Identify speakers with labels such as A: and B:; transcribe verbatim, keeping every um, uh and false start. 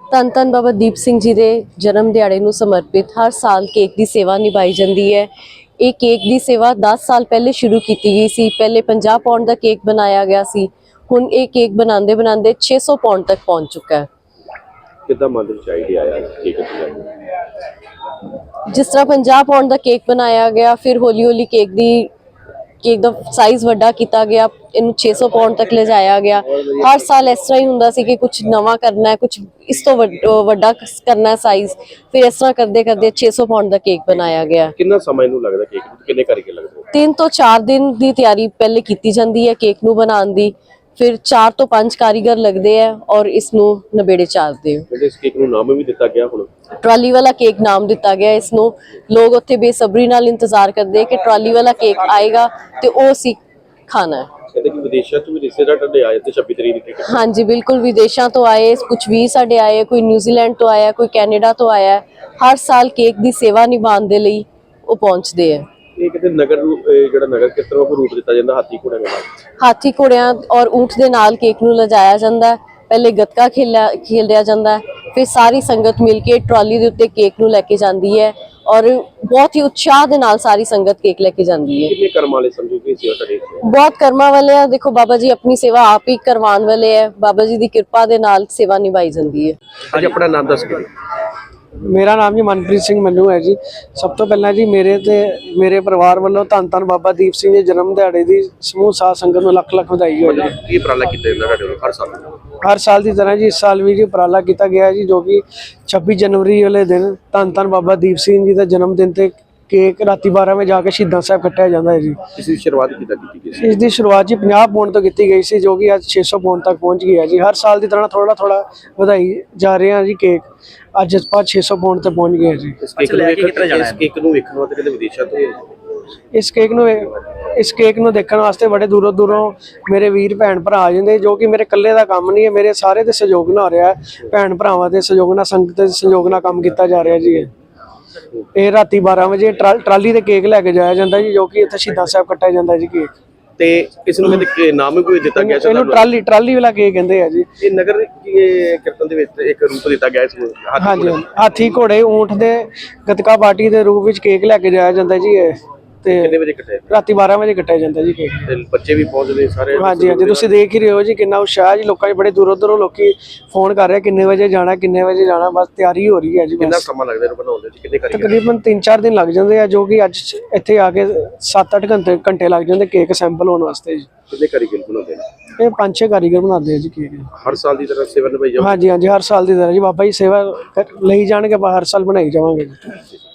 A: ਧੰਨ ਧੰਨ ਬਾਬਾ ਦੀਪ ਸਿੰਘ ਜੀ ਦੇ ਜਨਮ ਦਿਹਾੜੇ ਨੂੰ ਸਮਰਪਿਤ ਹਰ ਸਾਲ ਕੇਕ ਦੀ ਸੇਵਾ ਨਿਭਾਈ ਜਾਂਦੀ ਹੈ। ਇਹ ਕੇਕ ਦੀ ਸੇਵਾ ਦਸ ਸਾਲ ਪਹਿਲੇ ਸ਼ੁਰੂ ਕੀਤੀ ਗਈ ਸੀ। ਪਹਿਲੇ ਪੰਜਾਹ ਪੌਂਡ ਦਾ ਕੇਕ ਬਣਾਇਆ ਗਿਆ ਸੀ। ਹੁਣ ਇਹ ਕੇਕ ਬਣਾਉਂਦੇ ਬਣਾਉਂਦੇ ਛੇ ਸੌ ਪੌਂਡ ਤੱਕ ਪਹੁੰਚ ਚੁੱਕਾ ਹੈ।
B: ਕਿੱਦਾਂ ਮਨ ਵਿੱਚ ਆਈਡੀਆ ਆਇਆ ਕੇਕ ਬਣਾਉਣ ਦਾ?
A: ਜਿਸ ਤਰ੍ਹਾਂ ਪੰਜਾਹ ਪੌਂਡ ਦਾ ਕੇਕ ਬਣਾਇਆ ਗਿਆ, ਫਿਰ ਹੌਲੀ ਹੌਲੀ ਕੇਕ ਦੀ ਕੇਕ ਦਾ ਸਾਈਜ਼ ਵੱਡਾ ਕੀਤਾ ਗਿਆ, ਇਹਨੂੰ ਛੇ ਸੌ ਪੌਂਡ ਤੱਕ ਲਿਜਾਇਆ ਗਿਆ। ਹਰ ਸਾਲ ਇਸ ਤਰ੍ਹਾਂ ਹੀ ਹੁੰਦਾ ਸੀ ਕਿ ਕੁਝ ਨਵਾਂ ਕਰਨਾ ਹੈ, ਕੁਝ ਇਸ ਤੋਂ ਵੱਡਾ ਕਰਨਾ ਹੈ ਸਾਈਜ਼। ਫਿਰ ਇਸ ਤਰ੍ਹਾਂ ਕਰਦੇ ਕਰਦੇ ਛੇ ਸੌ ਪੌਂਡ ਦਾ ਕੇਕ ਬਣਾਇਆ ਗਿਆ।
B: ਕਿੰਨਾ ਸਮਾਂ ਇਹਨੂੰ ਲੱਗਦਾ ਕੇਕ ਨੂੰ? ਕਿੰਨੇ ਕਾਰੀਗਰ ਲੱਗਦੇ?
A: ਤਿੰਨ ਤੋਂ ਚਾਰ ਦਿਨ ਦੀ ਤਿਆਰੀ ਪਹਿਲੇ ਕੀਤੀ ਜਾਂਦੀ ਹੈ ਕੇਕ ਨੂੰ ਬਣਾਉਣ ਦੀ। ਫਿਰ ਚਾਰ ਤੋਂ ਪੰਜ ਕਾਰੀਗਰ ਲੱਗਦੇ ਆ ਔਰ ਇਸ ਨੂੰ ਨਵੇੜੇ ਚਾੜਦੇ ਆ।
B: ਇਸ ਕੇਕ ਨੂੰ ਨਾਮ ਵੀ ਦਿੱਤਾ ਗਿਆ ਹੁਣ
A: ਟਰਾਲੀ ਵਾਲਾ ਕੇਕ ਨਾਮ ਦਿੱਤਾ ਗਿਆ ਇਸ ਨੂੰ। ਲੋਕ ਉੱਥੇ ਬੇਸਬਰੀ ਨਾਲ ਇੰਤਜ਼ਾਰ ਕਰਦੇ ਕਿ ਟਰਾਲੀ ਵਾਲਾ ਕੇਕ ਆਏਗਾ ਤੇ ਉਹ ਅਸੀਂ ਖਾਣਾ ਹੈ।
B: ਕਹਿੰਦੇ ਕਿ ਵਿਦੇਸ਼ਾਂ ਤੋਂ ਵੀ ਰਿਸ਼ਤੇਦਾਰ ਤੁਹਾਡੇ ਆਏ ਤੇ ਛੱਬੀ ਤਰੀਕ ਨੂੰ।
A: ਹਾਂਜੀ ਬਿਲਕੁਲ, ਵਿਦੇਸ਼ਾਂ ਤੋਂ ਆਏ, ਕੁਝ ਵੀ ਸਾਡੇ ਆਏ, ਕੋਈ ਨਿਊਜ਼ੀਲੈਂਡ ਤੋਂ ਆਇਆ, ਕੋਈ ਕੈਨੇਡਾ ਤੋਂ ਆਇਆ। ਹਰ ਸਾਲ ਕੇਕ ਦੀ ਸੇਵਾ ਨਿਭਾਉਣ ਦੇ ਲਈ ਉਹ ਪਹੁੰਚਦੇ ਆ।
B: ਇਹ ਕਿਤੇ ਨਗਰ ਜਿਹੜਾ ਨਗਰ ਕੀਰਤਨ ਨੂੰ ਰੂਪ ਦਿੱਤਾ ਜਾਂਦਾ ਹਾਥੀ ਘੋੜਿਆਂ ਨਾਲ?
A: ਹਾਥੀ ਘੋੜਿਆਂ ਔਰ ਊਂਠ ਦੇ ਨਾਲ ਕੇਕ ਨੂੰ ਲਿਜਾਇਆ ਜਾਂਦਾ ਹੈ। ਪਹਿਲੇ ਗੱਤਕਾ ਖੇਲਿਆ ਖੇਲਿਆ ਜਾਂਦਾ ਹੈ, ਫਿਰ ਸਾਰੀ ਸੰਗਤ ਮਿਲ ਕੇ ਟਰਾਲੀ ਦੇ ਉੱਤੇ ਕੇਕ ਨੂੰ ਲੈ ਕੇ ਜਾਂਦੀ ਹੈ ਔਰ ਬਹੁਤ ਹੀ ਉਤਸ਼ਾਹ ਦੇ ਨਾਲ ਸਾਰੀ ਸੰਗਤ ਕੇਕ ਲੈ ਕੇ ਜਾਂਦੀ ਹੈ।
B: ਕਿੰਨੇ ਕਰਮ ਵਾਲੇ ਸਮਝੋ ਕਿ ਸੇਵਾ ਕਰੇ?
A: ਬਹੁਤ ਕਰਮਾਂ ਵਾਲੇ ਆ। ਦੇਖੋ ਬਾਬਾ ਜੀ ਆਪਣੀ ਸੇਵਾ ਆਪ ਹੀ ਕਰਵਾਉਣ ਵਾਲੇ ਹੈ। ਬਾਬਾ ਜੀ ਦੀ ਕਿਰਪਾ ਦੇ ਨਾਲ ਸੇਵਾ ਨਿਭਾਈ ਜਾਂਦੀ ਹੈ।
B: ਅੱਜ ਆਪਣਾ ਨਾਮ ਦੱਸ ਕੇ।
C: ਮੇਰਾ ਨਾਮ ਜੀ ਮਨਪ੍ਰੀਤ ਸਿੰਘ ਮੰਨੂ ਹੈ ਜੀ। ਸਭ ਤੋਂ ਪਹਿਲਾਂ ਜੀ ਮੇਰੇ ਤੇ ਮੇਰੇ ਪਰਿਵਾਰ ਵੱਲੋਂ ਧੰਨ ਧੰਨ ਬਾਬਾ ਦੀਪ ਸਿੰਘ ਜੀ ਜਨਮ ਦਿਹਾੜੇ ਦੀ ਸਮੂਹ ਸਾਧ ਸੰਗਤ ਨੂੰ ਲੱਖ ਲੱਖ ਵਧਾਈ ਹੋਵੇ ਜੀ।
B: ਕੀ ਉਪਰਾਲਾ ਕੀਤਾ ਜਾਂਦਾ ਤੁਹਾਡੇ ਵੱਲੋਂ ਹਰ ਸਾਲ?
C: ਹਰ ਸਾਲ ਦੀ ਤਰ੍ਹਾਂ ਜੀ ਇਸ ਸਾਲ ਵੀ ਜੀ ਉਪਰਾਲਾ ਕੀਤਾ ਗਿਆ ਜੀ, ਜੋ ਕਿ ਛੱਬੀ ਜਨਵਰੀ ਵਾਲੇ ਦਿਨ ਧੰਨ ਧੰਨ ਬਾਬਾ ਦੀਪ ਸਿੰਘ ਜੀ ਦਾ ਜਨਮ ਦਿਨ ਤੇ ਕੇਕ ਰਾਤੀ ਬਾਰਾਂ ਵਜੇ ਜਾ ਕੇ ਸ਼ਹੀਦਾਂ ਸਾਹਿਬ ਕੱਟਿਆ ਜਾਂਦਾ ਹੈ ਜੀ।
B: ਇਸ ਦੀ ਸ਼ੁਰੂਆਤ ਕਿੱਦਾਂ ਕੀਤੀ ਗਈ ਸੀ?
C: ਇਸ ਦੀ ਸ਼ੁਰੂਆਤ ਜੀ ਪੰਜਾਹ ਪੌਂਡ ਤੋਂ ਕੀਤੀ ਗਈ ਸੀ, ਜੋ ਕਿ ਅੱਜ ਛੇ ਸੌ ਪੌਂਡ ਤੱਕ ਪਹੁੰਚ ਗਈ ਹੈ ਜੀ। ਹਰ ਸਾਲ ਦੀ ਤਰ੍ਹਾਂ ਥੋੜਾ ਥੋੜਾ ਵਧਾਈ ਜਾ ਰਹੇ ਹਾਂ ਜੀ ਕੇਕ। ਅੱਜ ਆਪਾਂ ਛੇ ਸੌ ਪੌਂਡ ਤੇ ਪਹੁੰਚ ਗਏ ਜੀ।
B: ਇਸ ਕੇਕ ਨੂੰ ਵੇਖਣ ਇਸ ਕੇਕ ਨੂੰ ਵੇਖਣ ਵਾਸਤੇ ਕਿਤੇ ਵਿਦੇਸ਼ਾਂ ਤੋਂ
C: ਇਸ ਕੇਕ ਨੂੰ ਇਸ ਕੇਕ ਨੂੰ ਦੇਖਣ ਵਾਸਤੇ ਬੜੇ ਦੂਰੋਂ ਦੂਰੋਂ ਮੇਰੇ ਵੀਰ ਭੈਣ ਭਰਾ ਆ ਜਾਂਦੇ, ਜੋ ਕਿ ਮੇਰੇ ਇਕੱਲੇ ਦਾ ਕੰਮ ਨਹੀਂ ਹੈ, ਮੇਰੇ ਸਾਰੇ ਦੇ ਸਹਿਯੋਗ ਨਾਲ ਹੋ ਰਿਹਾ ਹੈ। ਭੈਣ ਭਰਾਵਾਂ ਦੇ ਸਹਿਯੋਗ ਨਾਲ, ਸੰਗਤ ਦੇ ਸਹਿਯੋਗ ਨਾਲ ਕੰਮ ਕੀਤਾ ਜਾ ਰਿਹਾ ਜੀ। ਇਹ ਰਾਤੀ ਬਾਰਾਂ ਵਜੇ ਟਰਾਲੀ ਤੇ ਕੇਕ ਲੈ ਕੇ ਜਾਇਆ ਜਾਂਦਾ ਜੀ, ਜੋ ਕਿ ਇੱਥੇ ਸ਼ਹੀਦਾਂ ਸਾਹਿਬ ਕੱਟਿਆ ਜਾਂਦਾ ਜੀ ਕੇਕ।
B: ਤੇ ਇਸ ਨੂੰ ਕਹਿੰਦੇ ਨਾਮ ਵੀ ਕੋਈ ਦਿੱਤਾ ਗਿਆ?
C: ਇਹਨੂੰ ਟਰਾਲੀ ਟਰਾਲੀ ਵਾਲਾ ਕੇਕ ਕਹਿੰਦੇ ਆ ਜੀ।
B: ਇਹ ਨਗਰ ਕੀਰਤਨ ਦੇ ਵਿੱਚ ਇੱਕ ਰੂਪ ਦਿੱਤਾ ਗਿਆ ਇਸ ਨੂੰ।
C: ਹਾਂਜੀ, ਹਾਥੀ ਘੋੜੇ ਊਂਠ ਦੇ ਗੱਤਕਾ ਪਾਰਟੀ ਦੇ ਰੂਪ ਵਿੱਚ ਕੇਕ ਲੈ ਕੇ ਜਾਇਆ ਜਾਂਦਾ ਜੀ। ਇਹ ਤੇ
B: ਕਿੰਨੇ ਵਜੇ ਕੱਟਿਆ?
C: ਰਾਤੀ ਬਾਰਾਂ ਵਜੇ ਕੱਟਿਆ ਜਾਂਦਾ ਜੀ ਕੇਕ।
B: ਤੇ ਬੱਚੇ ਵੀ ਪਹੁੰਚਦੇ ਸਾਰੇ?
C: ਹਾਂਜੀ ਹਾਂਜੀ, ਤੁਸੀਂ ਦੇਖ ਹੀ ਰਹੇ ਹੋ ਜੀ ਕਿੰਨਾ ਉਤਸ਼ਾਹ ਜੀ। ਲੋਕਾਂ 'ਚ ਬੜੇ ਦੂਰੋਂ ਦੂਰੋਂ ਲੋਕੀ ਫੋਨ ਕਰ ਰਹੇ ਕਿੰਨੇ ਵਜੇ ਜਾਣਾ ਕਿੰਨੇ ਵਜੇ ਜਾਣਾ। ਬਸ ਤਿਆਰੀ ਹੋ ਰਹੀ ਹੈ ਜੀ।
B: ਕਿੰਨਾ ਸਮਾਂ ਲੱਗਦਾ ਇਹਨੂੰ ਬਣਾਉਣ ਦੇ? ਕਿੰਨੇ ਕਾਰੀਗਰ?
C: ਤਕਰੀਬਨ ਤਿੰਨ ਚਾਰ ਦਿਨ ਲੱਗ ਜਾਂਦੇ ਆ, ਜੋ ਕਿ ਅੱਜ ਇੱਥੇ ਆ ਕੇ ਸੱਤ ਅੱਠ ਘੰਟੇ ਘੰਟੇ ਲੱਗ ਜਾਂਦੇ ਕੇਕ ਸੈਂਪਲ ਹੋਣ ਵਾਸਤੇ ਜੀ।
B: ਕਿੰਨੇ ਕਾਰੀਗਰ ਬਣਾਉਂਦੇ ਨੇ?
C: ਇਹ ਪੰਜ ਛੇ ਕਾਰੀਗਰ ਬਣਾਉਂਦੇ ਆ ਜੀ ਕੇਕ।
B: ਹਰ ਸਾਲ ਦੀ ਤਰ੍ਹਾਂ ਸੇਵਾ ਨਿਭਾਈ ਜਾਂਦੀ?
C: ਹਾਂਜੀ ਹਾਂਜੀ, ਹਰ ਸਾਲ ਦੀ ਤਰ੍ਹਾਂ ਜੀ। ਬਾਬਾ ਜੀ ਸੇਵਾ ਲਈ ਜਾਣਗੇ, ਆਪਾਂ ਹਰ ਸਾਲ ਬਣਾਈ ਜਾਵਾਂਗੇ ਜੀ।